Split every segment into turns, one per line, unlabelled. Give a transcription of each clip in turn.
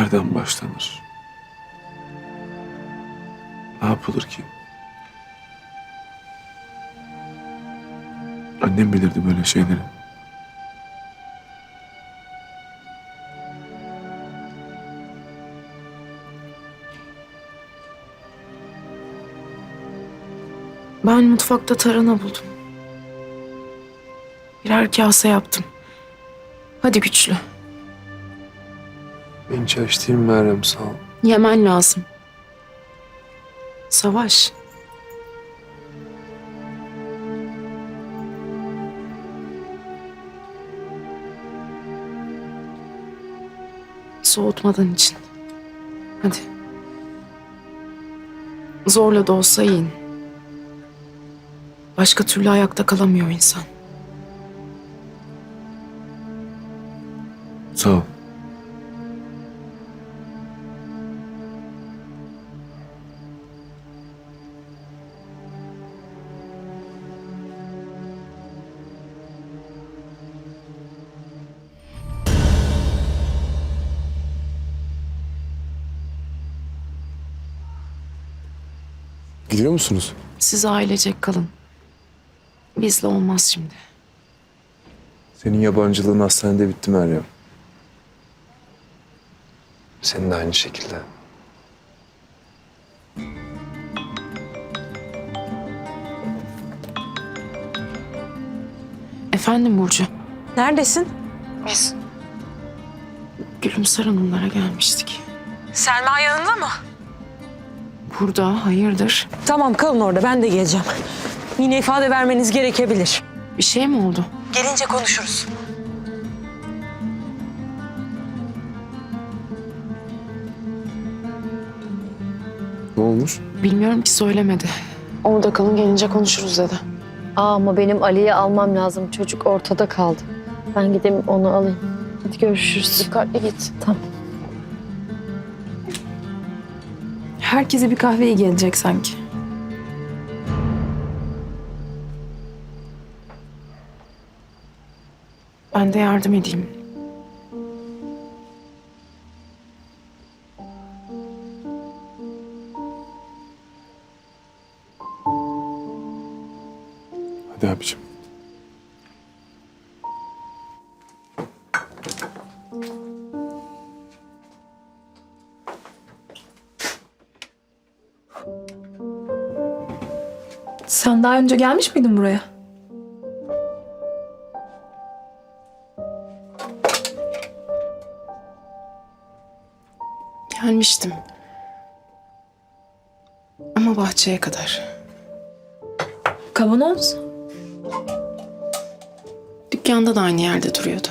nereden başlanır? Ne yapılır ki? Annem bilirdi böyle şeyleri.
Ben mutfakta tarhana buldum. Birer kase yaptım. Hadi güçlü.
Ben hiç aç değilim Meryem, sağ ol.
Yemen lazım. Savaş. Soğutmadan için. Hadi. Zorla da olsa yiyin. Başka türlü ayakta kalamıyor insan.
Sağ ol. Gidiyor musunuz?
Siz ailecek kalın. Bizle olmaz şimdi.
Senin yabancılığın hastanede bitti Meryem. Senin de aynı şekilde.
Efendim Burcu.
Neredesin?
Biz Gülümser Hanımlara gelmiştik.
Selma yanında mı?
Burada hayırdır?
Tamam kalın orada ben de geleceğim. Yine ifade vermeniz gerekebilir.
Bir şey mi oldu?
Gelince konuşuruz.
Ne olmuş?
Bilmiyorum ki, söylemedi. Orada kalın, gelince konuşuruz dedi.
Ama benim Ali'yi almam lazım. Çocuk ortada kaldı. Ben gideyim onu alayım. Hadi görüşürüz.
Dikkatli git.
Tamam.
Herkese bir kahveye gelecek sanki. Ben de yardım edeyim.
Hadi abicim.
Sen daha önce gelmiş miydin buraya?
Gelmiştim. Ama bahçeye kadar.
Kavanoz.
Dükkanda da aynı yerde duruyordu.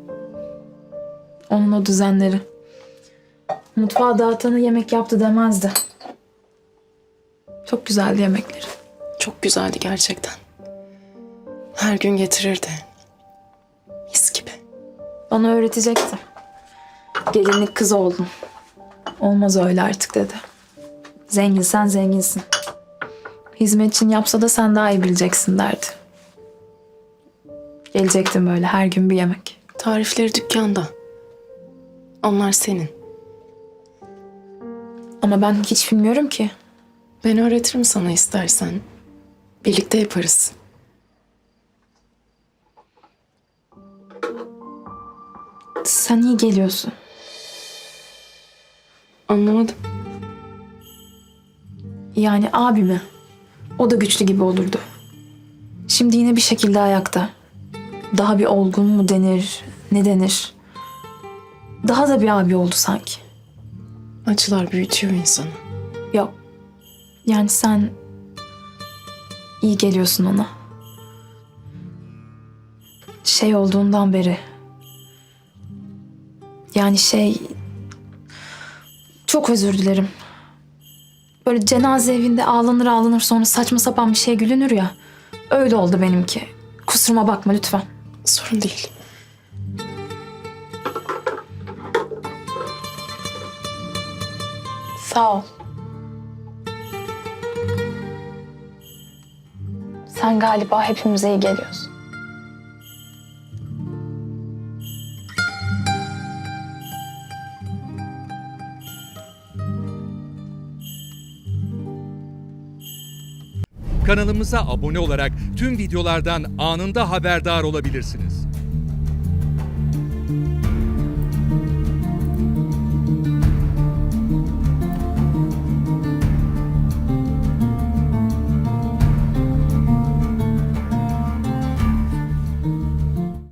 Onun o düzenleri. Mutfağa dağıtanı yemek yaptı demezdi. Çok güzeldi yemekleri.
Çok güzeldi gerçekten. Her gün getirirdi. Mis gibi.
Bana öğretecekti. Gelinlik kız oldun. Olmaz öyle artık dedi. Zenginsen zenginsin. Hizmetçin yapsa da sen daha iyi bileceksin derdi. Gelecektim böyle her gün bir yemek.
Tarifleri dükkanda. Onlar senin.
Ama ben hiç bilmiyorum ki.
Ben öğretirim sana istersen. Birlikte yaparız.
Sen iyi geliyorsun.
Anlamadım.
Yani abimi. O da güçlü gibi olurdu. Şimdi yine bir şekilde ayakta. Daha bir olgun mu denir, ne denir? Daha da bir abi oldu sanki.
Acılar büyütüyor insanı.
Yok. Yani sen iyi geliyorsun ona. Şey olduğundan beri. Yani çok özür dilerim. Böyle cenaze evinde ağlanır ağlanır sonra saçma sapan bir şey gülünür ya. Öyle oldu benimki. Kusuruma bakma lütfen.
Sorun değil.
Sağ ol. Sen galiba hepimize iyi geliyorsun.
Kanalımıza abone olarak tüm videolardan anında haberdar olabilirsiniz.